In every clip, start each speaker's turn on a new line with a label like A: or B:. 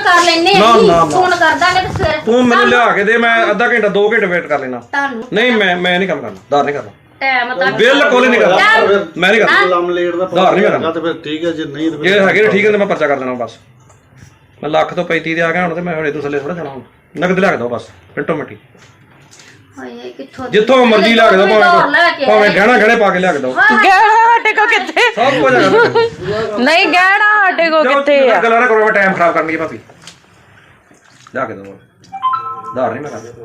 A: ਕਰ ਲੈਨੇ
B: ਨਾ, ਨਾ, ਨਾ।
A: ਫੋਨ ਕਰ ਦਾਂਗੇ ਤੇ ਫਿਰ
B: ਤੂੰ ਮੈਨੂੰ ਲਿਆ ਕੇ ਦੇ, ਮੈਂ ਅੱਧਾ ਘੰਟਾ 2 ਘੰਟੇ ਵੇਟ ਕਰ ਲੈਣਾ।
A: ਤੁਹਾਨੂੰ
B: ਨਹੀਂ ਮੈਂ ਨਹੀਂ ਕੰਮ ਕਰਨਾ, ਧਾਰ ਨਹੀਂ ਕਰਨਾ,
A: ਟਾਈਮ ਤਾਂ
B: ਬਿਲਕੁਲ ਹੀ ਨਹੀਂ ਕਰਨਾ, ਮੈਂ ਨਹੀਂ ਕਰਨਾ।
C: ਲੰਮ ਲੇਟ ਦਾ
B: ਧਾਰ ਨਹੀਂ ਕਰਨਾ
C: ਤੇ ਫਿਰ ਠੀਕ ਹੈ, ਜੇ ਨਹੀਂ ਤੇ
B: ਜੇ ਹੈਗੇ ਠੀਕ ਹੈ ਤੇ ਮੈਂ ਪਰਚਾ ਕਰ ਦੇਣਾ ਬਸ। ਮੈਂ ਲੱਖ ਤੋਂ 35 ਦੇ ਆ ਗਿਆ ਹੁਣ ਤੇ ਮੈਂ ਹੁਣ ਇਦੋਂ ਥੱਲੇ ਥੋੜਾ ਜਾਣਾ। ਹੁਣ ਨਗਦ ਲਿਆ ਕੇ ਦੋ ਬਸ, ਮਿੰਟੋ ਮਿੰਟੀ,
A: ਹਾਏ ਕਿੱਥੋਂ
B: ਜਿੱਥੋਂ ਮਰਜ਼ੀ ਲਿਆ ਕੇ ਦੋ, ਭਾਵੇਂ ਗਹਿਣਾ ਗਹਿਣੇ ਪਾ ਕੇ ਲਿਆ ਕੇ ਦੋ,
D: ਗਹਿਣਾ ਸਾਡੇ ਕੋ ਕਿੱਥੇ?
B: ਸਭ ਕੁਝ ਹੈਗਾ।
D: ਨਹੀਂ ਗਹਿਣਾ ਸਾਡੇ ਕੋ ਕਿੱਥੇ ਆ?
B: ਗੱਲਾਂ ਨਾ ਕਰੋ, ਮੈਂ ਟਾਈਮ ਖਰਾਬ ਕਰਨੀ ਹੈ ਭਾਬੀ, ਲਿਆ ਕੇ ਦੋ, ਧਾਰ ਨਹੀਂ ਮੈਂ ਕਰਦਾ।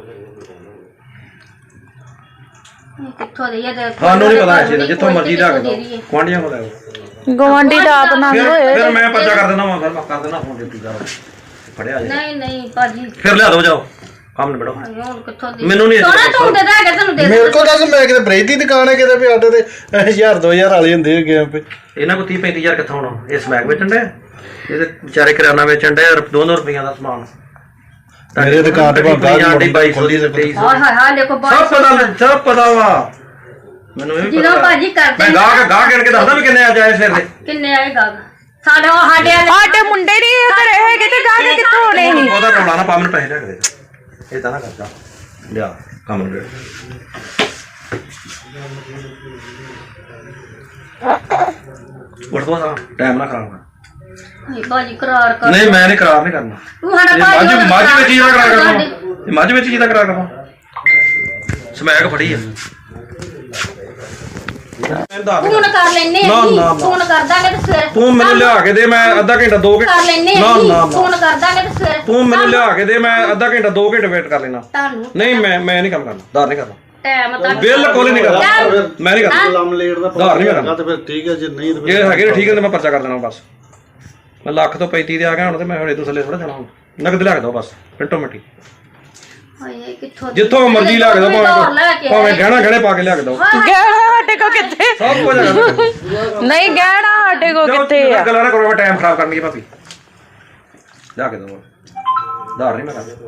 A: ਕਿੱਥੋਂ ਦੇ ਇਹ
B: ਸਾਨੂੰ ਨਹੀਂ ਪਤਾ ਇਸ ਚੀਜ਼ ਦਾ, ਜਿੱਥੋਂ ਮਰਜ਼ੀ ਲਿਆ ਕੇ ਦੋ, ਗੁਆਂਢੀਆਂ ਕੋਲ ਆਓ।
D: ਗਵਾਂਢੀ ਦਾ ਆਪ ਨੰਗ ਹੋਏ।
B: ਫਿਰ ਮੈਂ ਪਰਚਾ ਕਰ ਦਿੰਦਾ, ਮੈਂ ਕਰ ਦਿੰਦਾ ਫੋਨ ਡਿਊਟੀ ਦਾ, ਫੜਿਆ ਜੇ
A: ਨਹੀਂ ਭਾਜੀ
B: ਫਿਰ ਲਿਆ ਦੋ, ਜਾਓ ਕੰਮ ਨਿਬੜੋ।
A: ਹੁਣ ਕਿੱਥੋਂ ਦੇ
B: ਮੈਨੂੰ ਨਹੀਂ
A: ਸੋਨਾ ਤੂੰ ਦੇ ਦਾਂਗੇ ਤੈਨੂੰ ਦੇ
C: ਮੇਰੇ ਕੋਲ ਦੱਸ, ਮੈਂ ਕਿਤੇ ਬ੍ਰੇਕ ਦੀ ਦੁਕਾਨ ਹੈ ਕਿਤੇ ਵੀ ਆਟੇ ਤੇ 1000 2000 ਵਾਲੇ ਹੁੰਦੇ ਹੈਗੇ ਆ।
B: ਇਹਨਾਂ ਕੋਲ 30 35 ਕਿੱਥੋਂ ਆਉਣਾ? ਇਹ ਸਮੈਕ ਵੇਚਣ ਦੇ, ਇਹਦੇ ਵਿਚਾਰੇ ਕਿਰਾਨਾ ਵੇਚਣ ਦੇ, 200 ਰੁਪਈਆ ਦਾ ਸਮਾਨ।
C: ਮੇਰੇ ਦੁਕਾਨ ਤੇ ਭਾਵੇਂ
B: ਆਂਟੀ 2200 ਦੀ
A: ਹਾਏ ਹਾਏ ਹਾਏ ਦੇਖੋ
B: ਸਭ ਪਤਾ ਵਾ ਮੈਨੂੰ। ਇਹ ਵੀ
A: ਜਦੋਂ
B: ਪਤਾ
A: ਭਾਜੀ ਕਰਦੇ
B: ਮੈਂ ਗਾਹ ਗਿਣ ਕੇ ਦੱਸਦਾ ਵੀ ਕਿੰਨੇ ਆ ਜਾਏ ਸਿਰ ਦੇ।
A: ਕਿੰਨੇ ਆਏਗਾ ਸਾਡੇ
D: ਸਾਡੇ ਮੁੰਡੇ ਨਹੀਂ ਘਰੇ ਹੈਗੇ ਤੇ ਜਾ ਕੇ ਕਿੱਥੋਂ ਹੋਣੇ ਸੀ?
B: ਉਹਦਾ ਰੌਲਾ ਨਾ ਪਾ, ਮੈਨੂੰ ਪੈਸੇ ਲਿਆ ਕੇ ਦੇ, ਇਹ ਤਾਂ ਨਾ ਕਰਦਾ, ਲਿਆ ਕੰਮ ਨੂੰ ਉੱਠ ਦੋ, ਟਾਈਮ ਨਾ ਖਰਾਬ ਕਰ।
A: ਭਾਜੀ ਕਰਾਰ ਕਰ
B: ਨਹੀਂ ਮੈਂ ਨਹੀਂ ਕਰਾਰ ਨਹੀਂ ਕਰਨਾ।
A: ਤੂੰ ਸਾਡਾ
B: ਇਹ ਮੱਝ ਵਿੱਚ ਹੀ ਦਾ ਕਰਾਰ ਕਰਨਾ, ਇਹ ਮੱਝ ਵਿੱਚ ਹੀ ਦਾ ਕਰਾਰ ਕਰਨਾ। ਸਮੈਕ ਫੜੀ ਆ,
A: ਫੋਨ ਕਰ ਲੈਨੇ ਫੋਨ ਕਰ ਦਾਂਗੇ ਤੇ ਫਿਰ
B: ਤੂੰ ਮੈਨੂੰ ਲਿਆ ਕੇ ਦੇ, ਮੈਂ ਅੱਧਾ ਘੰਟਾ 2 ਘੰਟੇ
A: ਕਰ ਲੈਨੇ ਫੋਨ ਕਰ ਦਾਂਗੇ ਤੇ ਫਿਰ
B: ਤੂੰ ਮੈਨੂੰ ਲਿਆ ਕੇ ਦੇ, ਮੈਂ ਅੱਧਾ ਘੰਟਾ 2 ਘੰਟੇ ਵੇਟ ਕਰ ਲੈਣਾ।
A: ਤੁਹਾਨੂੰ
B: ਨਹੀਂ ਮੈਂ ਨਹੀਂ ਕੰਮ ਕਰਨਾ, ਧਾਰ ਨਹੀਂ ਕਰਨਾ,
A: ਟਾਈਮ ਤਾਂ
B: ਬਿਲਕੁਲ ਹੀ ਨਹੀਂ ਕਰਨਾ, ਮੈਂ ਨਹੀਂ ਕਰਨਾ।
C: ਲੰਮ ਲੇਟ ਦਾ
B: ਧਾਰ ਨਹੀਂ ਕਰਨਾ,
C: ਤੇ ਫਿਰ ਠੀਕ ਹੈ, ਜੇ ਨਹੀਂ ਤੇ
B: ਜੇ ਹੈਗੇ ਠੀਕ ਹੈ ਤੇ ਮੈਂ ਪਰਚਾ ਕਰ ਦੇਣਾ ਬਸ। ਮੈਂ ਲੱਖ ਤੋਂ 35 ਦੇ ਆ ਗਿਆ ਹੁਣ ਤੇ ਮੈਂ ਹੁਣ ਇਦੋਂ ਥੱਲੇ ਥੋੜਾ ਜਾਣਾ। ਹੁਣ ਨਗਦ ਲਿਆ ਕੇ ਦੋ ਬਸ, ਮਿੰਟੋ ਮਿੰਟੀ,
A: ਹਾਏ ਕਿੱਥੋਂ
B: ਜਿੱਥੋਂ ਮਰਜ਼ੀ ਲਿਆ ਕੇ ਦੋ, ਭਾਵੇਂ ਗਹਿਣਾ ਗਹਿਣੇ ਪਾ ਕੇ ਲਿਆ ਕੇ ਦੋ,
D: ਗਹਿਣਾ ਸਾਡੇ ਕੋ ਕਿੱਥੇ?
B: ਸਭ ਕੁਝ ਹੈਗਾ।
D: ਨਹੀਂ ਗਹਿਣਾ ਸਾਡੇ ਕੋ ਕਿੱਥੇ ਆ?
B: ਗੱਲਾਂ ਨਾ ਕਰੋ, ਮੈਂ ਟਾਈਮ ਖਰਾਬ ਕਰਨੀ ਹੈ ਭਾਬੀ, ਲਿਆ ਕੇ ਦੋ, ਧਾਰ ਨਹੀਂ ਮੈਂ ਕਰਦਾ।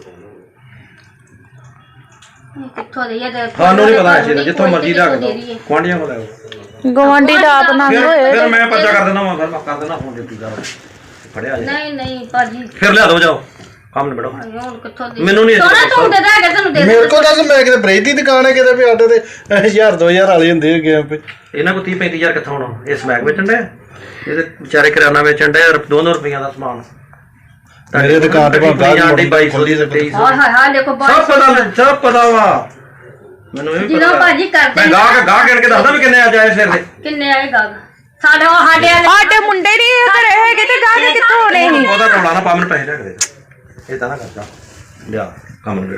A: ਕਿੱਥੋਂ ਦੇ ਇਹ
B: ਸਾਨੂੰ ਨਹੀਂ ਪਤਾ ਇਸ ਚੀਜ਼ ਦਾ, ਜਿੱਥੋਂ ਮਰਜ਼ੀ ਲਿਆ ਕੇ ਦੋ, ਗੁਆਂਢੀਆਂ ਕੋਲ ਆਓ।
D: ਗਵਾਂਢੀ ਦਾ ਆਪ ਨੰਗ ਹੋਏ।
B: ਫਿਰ ਮੈਂ ਪਰਚਾ ਕਰ ਦਿੰਦਾ, ਮੈਂ ਕਰ ਦਿੰਦਾ ਫੋਨ ਡਿਊਟੀ ਦਾ, ਫੜਿਆ ਜੇ
A: ਨਹੀਂ ਭਾਜੀ
B: ਫਿਰ ਲਿਆ ਦੋ, ਜਾਓ ਕੰਮ ਨਿਬੜੋ।
A: ਹੁਣ ਕਿੱਥੋਂ ਦੇ
B: ਮੈਨੂੰ ਨਹੀਂ
A: ਸੋਨਾ ਤੂੰ ਦੇ ਦਾਂਗੇ ਤੈਨੂੰ ਦੇ
C: ਮੇਰੇ ਕੋਲ ਦੱਸ, ਮੈਂ ਕਿਤੇ ਬ੍ਰੇਕ ਦੀ ਦੁਕਾਨ ਹੈ ਕਿਤੇ ਵੀ ਆਟੇ ਤੇ 1000 2000 ਵਾਲੇ ਹੁੰਦੇ ਹੈਗੇ ਆ।
B: ਇਹਨਾਂ ਕੋਲ 30 35 ਕਿੱਥੋਂ ਆਉਣਾ? ਇਹ ਸਮੈਕ ਵੇਚਣ ਦੇ, ਇਹਦੇ ਵਿਚਾਰੇ ਕਿਰਾਨਾ ਵੇਚਣ ਦੇ, 200 ਰੁਪਈਆ ਦਾ ਸਮਾਨ।
C: ਮੇਰੇ ਦੁਕਾਨ ਤੇ ਭਾਵੇਂ
B: ਆਂਟੀ 2200 ਦੀ 2300
A: ਹਾਏ ਹਾਏ ਹਾਏ ਦੇਖੋ
B: ਸਭ ਪਤਾ ਵਾ ਮੈਨੂੰ। ਇਹ ਵੀ
A: ਜਦੋਂ
B: ਪਤਾ
A: ਭਾਜੀ ਕਰਦੇ
B: ਮੈਂ ਗਾਹ ਗਿਣ ਕੇ ਦੱਸਦਾ ਵੀ ਕਿੰਨੇ ਆ ਜਾਏ ਸਿਰ ਦੇ।
A: ਕਿੰਨੇ ਆਏਗਾ ਸਾਡੇ
D: ਸਾਡੇ ਮੁੰਡੇ ਨਹੀਂ ਘਰੇ ਹੈਗੇ ਤੇ ਜਾ ਕੇ ਕਿੱਥੋਂ ਹੋਣੇ ਸੀ?
B: ਉਹਦਾ ਰੌਲਾ ਨਾ ਪਾ, ਮੈਨੂੰ ਪੈਸੇ ਲਿਆ ਕੇ ਦੇ, ਇਹ ਤਾਂ ਨਾ ਕਰਦਾ, ਲਿਆ ਕੰਮ ਨੂੰ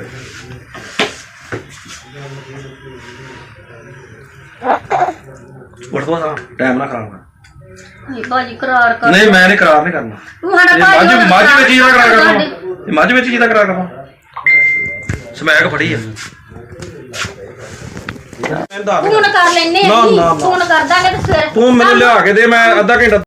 B: ਉੱਠ ਦੋ, ਟਾਈਮ ਨਾ ਖਰਾਬ ਕਰ।
A: ਭਾਜੀ ਕਰਾਰ ਕਰ
B: ਨਹੀਂ ਮੈਂ ਨਹੀਂ ਕਰਾਰ ਨਹੀਂ ਕਰਨਾ।
A: ਤੂੰ ਸਾਡਾ
B: ਇਹ ਮੱਝ ਵਿੱਚ ਹੀ ਦਾ ਕਰਾਰ ਕਰਨਾ, ਇਹ ਮੱਝ ਵਿੱਚ ਹੀ ਦਾ ਕਰਾਰ ਕਰਨਾ। ਸਮੈਕ ਫੜੀ ਆ,
A: ਫੋਨ ਕਰ ਲੈਨੇ ਫੋਨ ਕਰ ਦਾਂਗੇ ਤੇ ਫਿਰ
B: ਤੂੰ ਮੈਨੂੰ ਲਿਆ ਕੇ ਦੇ, ਮੈਂ ਅੱਧਾ ਘੰਟਾ